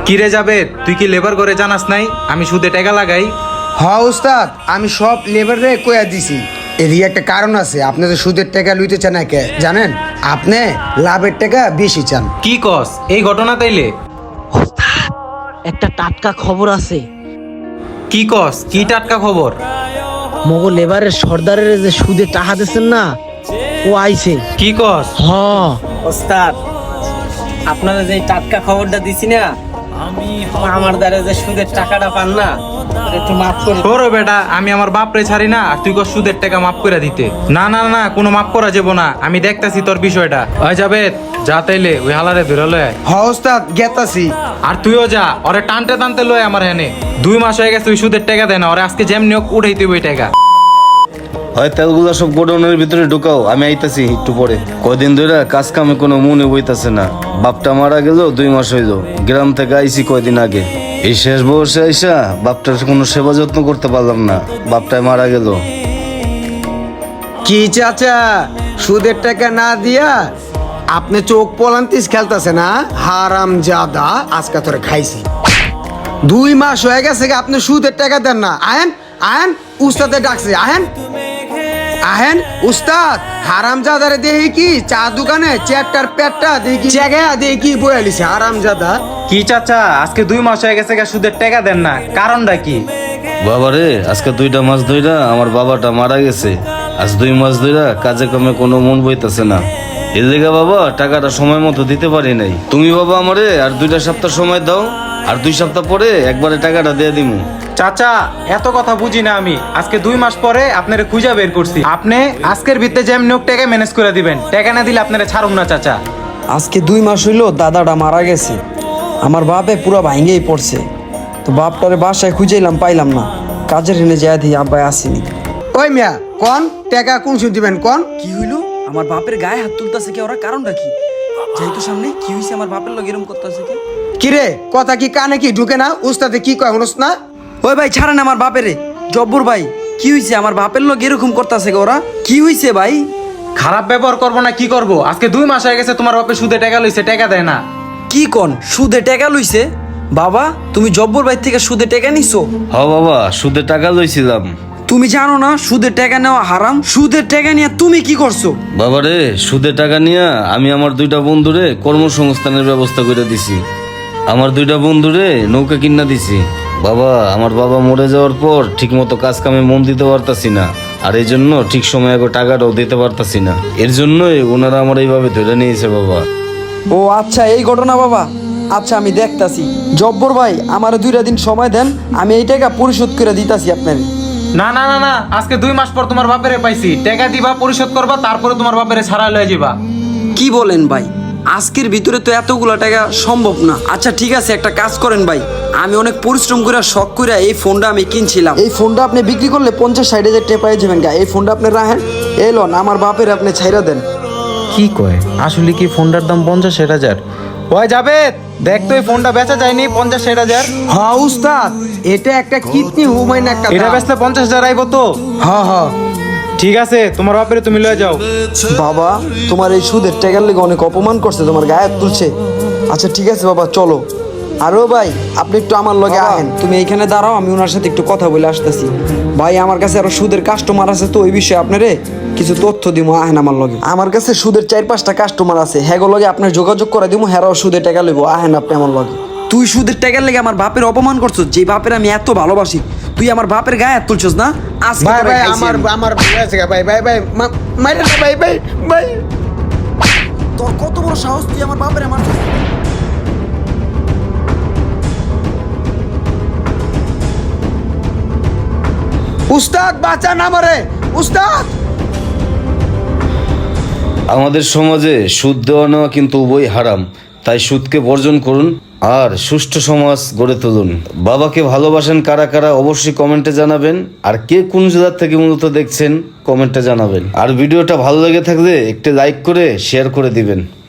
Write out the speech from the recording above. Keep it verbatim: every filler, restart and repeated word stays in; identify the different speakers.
Speaker 1: কি রে যাবে, তুই কি লেবার করে জানাস নাই আমি সুদে টাকা লাগাই?
Speaker 2: হ উস্তাদ, আমি সব লেবারে কয়া দিছি। এরই একটা কারণ আছে, আপনি তো সুদের টাকা লইতে চান না কে জানেন? আপনি লাভের টাকা বেশি চান।
Speaker 1: কি কস এই ঘটনা তাইলে?
Speaker 3: একটা টাটকা খবর আছে।
Speaker 1: কি কস, কি টাটকা খবর?
Speaker 3: মগো লেবারের সর্দারের যে সুদে টাকা দিচ্ছেন না, ও আইছে।
Speaker 1: কি কস?
Speaker 3: হ
Speaker 4: ওস্তাদ, আপনারা যে টাটকা খবরটা দিছি না, আমার দ্বারা যে সুদের টাকাটা পান না, ওটা একটু মাফ করে দিন।
Speaker 1: ওরে বেটা, আমি আমার বাপরে ছাড়ি না আর তুই কস সুদের টাকা মাফ করে দিতে? না না না, কোনো মাফ করা যাব না, আমি দেখতাছি তোর বিষয়টা। ওই যাবে, যা তাইলে ওই হালারে ধরে লয়।
Speaker 2: হ উস্তাদ, গেতাছি।
Speaker 1: আর তুইও যা, ওরে টানতে টানতে লয় আমার হেনে। দুই মাস হয়ে গেছে ওই সুদের টাকা দেয় না, ওরে আজকে যেমনি হোক উঠাই তুই ওই টাকা।
Speaker 5: হয় তেলগুলো সব গোডাউনের ভিতরে ঢুকাও, আমি আইতাছি একটু পরে। কদিন ধরে কাজ কামে কোনো মনে বইতাছে না। বাপটা মারা গেল দুই মাস হইল, গ্রাম থেকে আইছি কয়দিন আগে। এই শেষ বয়সে আইসা বাপটার কোনো সেবা যত্ন করতে পারলাম না, বাপটায় মারা গেল।
Speaker 2: কি চাচা, সুদের টাকা না দিয়া আপনি চোখ পলান্তিস খেলতেছে না? হারাম জাদা, আজকে তোরে খাইছি। দুই মাস হয়ে গেছে কি আপনি সুদের টাকা দেন না? আহেন আহেন, উস্তাদে ডাকছে, আহেন আহেন। উস্তাদ, হারাম জাদারে দেখি কি চা দোকানে চেয়ারটার পেটটা দেখি জায়গা দেখি বয়ালিছে হারাম জাদা।
Speaker 1: কি চাচা, আজকে দুই মাস হয়ে গেছে গা সুদের টাকা দেন না, কারণটা কি?
Speaker 5: বাবারে, আজকে দুইটা মাস ধইরা আমার বাবাটা মারা গেছে। আজ দুই মাস ধইরা কাজে কামে কোনো মন বইতাছে না। এর লেগে বাবা টাকাটা সময় মতো দিতে পারি নাই। তুমি বাবা আমারে আর দুইটা সপ্তাহ সময় দাও, আর দুই সপ্তাহ পরে একবারে টাকাটা দিয়ে দিমু।
Speaker 1: চাচা, এত কথা বুঝি না আমি। আজকে দুই মাস পরে আপনারা খুঁজা বের করছি, আপনি আজকের ভিত্তে যেমনি হোক টাকা ম্যানেজ করে দিবেন। টাকা না দিলে আপনারা ছাড়ুম না চাচা।
Speaker 6: আজকে দুই মাস হইলো দাদাটা মারা গেছে, আমার বাপে পুরো ভাঙ্গেই পড়ছে। তো বাপটারে বাসায় খুঁজেইলাম, পাইলাম না। কাজের হেনে যায় দিই আব্বাই আসেনি।
Speaker 2: ওই মিয়া কোন টাকা কোন শুন দিবেন কোন?
Speaker 6: কি হইলো? আমার বাপের গায়ে হাত তুলতাছে কে ওরা? কারণটা কি? যেহেতু সামনে কি হইছে, আমার বাপের লগে এরকম করতেছে কে?
Speaker 2: কিরে, কথা কি কানে কি ঢুকে না? উস্তাদে কি কয় শুনস না?
Speaker 6: ওই ভাই ছাড়েন আমার বাপেরে। জব্বর ভাই, কি হইছে? আমার বাপের লগে এরকম করতেছে কে ওরা? কি হইছে ভাই?
Speaker 1: খারাপ ব্যবহার করবো না কি করব? আজকে দুই মাস হয়ে গেছে তোমার বাপে সুদে টাকা লইছে, টাকা দেয় না।
Speaker 6: কি কন সুদে টাকা লইছে? বাবা, তুমি জব্বর ভাই থেকে সুদে টাকা নিছো?
Speaker 5: হ বাবা, সুদে টাকা লইছিলাম।
Speaker 6: তুমি জানো না সুদের টাকা নেওয়া হারাম? সুদের টাকা নিয়ে তুমি কি করছো?
Speaker 5: বাবারে, সুদে টাকা নিয়ে আমি আমার দুইটা বন্ধুরে কর্মসংস্থানের ব্যবস্থা করে দিছি। আমার দুইটা বন্ধুরে নৌকা কিনা দিছি। বাবা, আমার বাবা মরে যাওয়ার পর ঠিক মতো কাজ কামে মন দিতে পারতাছি না, আর এই জন্য ঠিক সময় আগে টাকাটাও দিতে পারতাছি না। এর জন্যই ওনারা আমার এইভাবে ধরে নিয়েছে বাবা।
Speaker 6: ও আচ্ছা, এই ঘটনা বাবা। আচ্ছা, আমি দেখতাছি। জব্বর ভাই, আমার দুইটা দিন সময় দেন, আমি এই টাকা পরিশোধ করে দিতাছি আপনার।
Speaker 1: না না না না, আজকে দুই মাস পর তোমার বাপেরে পাইছি, টাকা দিবা, পরিশোধ করবা, তারপরে তোমার বাপেরে ছাড়া লয়ে যাবা।
Speaker 6: কি বলেন ভাই? আজকের ভিতরে তো এতগুলো টাকা সম্ভব না। আচ্ছা ঠিক আছে, একটা কাজ করেন ভাই, আমি অনেক পরিশ্রম করে শখ করে এই ফোনটা আমি কিনছিলাম। এই ফোনটা আপনি বিক্রি করলে পঞ্চাশ ষাট হাজার টাকা পাই যাবেন। এই ফোনটা আপনি রাখেন, এলন আমার বাপের আপনি ছাইরা দেন।
Speaker 1: কি কয়, আসলে কি ফোনটার দাম পঞ্চাশ ষাট হাজার? ওই যাবে, দেখ তো এই ফোনটা বেচা যায়নি পঞ্চাশ ষাট হাজার।
Speaker 2: হ্যাঁ উস্তাদ, এটা একটা কিডনি হুমায়ুন একটা
Speaker 1: এটা
Speaker 2: দাম।
Speaker 1: বেচলে পঞ্চাশ হাজার আইবো তো?
Speaker 2: হ্যাঁ হ্যাঁ,
Speaker 1: ঠিক আছে, তোমার বাপেরে তুমি লয়ে যাও।
Speaker 6: বাবা, তোমার এই সুদের টাকার লেগে অনেক অপমান করছে, তোমার গায়ে হাত তুলছে। আচ্ছা ঠিক আছে বাবা, চলো। আরো ভাই, আপনি একটু আমার লগে আহেন। তুমি এইখানে দাঁড়াও, আমি ওনার সাথে একটু কথা বলে আসতেছি। ভাই, আমার কাছে আরো সুদের কাস্টমার আছে, তো ওই বিষয়ে আপনারে কিছু তথ্য দিব। আহেন আমার লগে। আমার কাছে সুদের চার পাঁচটা কাস্টমার আছে, হ্যাগো লগে আপনার যোগাযোগ করে দিব, হ্যারাও সুদের টাকা লইব। আহেন আপনি আমার লগে। তুই সুদের টাকার লেগে আমার বাপের অপমান করছস, যে বাপের আমি এত ভালোবাসি। তুই আমার বাপের গায়ে হাত তুলছস না? আজকে
Speaker 2: ভাই
Speaker 6: তোরে
Speaker 2: ভাই,
Speaker 6: খাইছি
Speaker 2: আমার
Speaker 6: আমি।
Speaker 2: আমার ভুল হয়েছে গা, ভাই ভাই ভাই, মা- মাইরে না ভাই ভাই ভাই।
Speaker 6: তোর কত বড় সাহস, তুই আমার বাপের আমার।
Speaker 2: উস্তাদ বাঁচান আমারে, উস্তাদ।
Speaker 5: আমাদের সমাজে সুদ দেওয়া নেওয়া কিন্তু উভয় হারাম, তাই সুদকে বর্জন করুন আর সুষ্ঠু সমাজ গড়ে তুলুন। বাবাকে ভালোবাসেন কারা কারা অবশ্যই কমেন্টে জানাবেন, আর কে কোন জেলার থেকে মূলত দেখছেন কমেন্টে জানাবেন। আর ভিডিওটা ভালো লেগে থাকলে একটি লাইক করে শেয়ার করে দিবেন।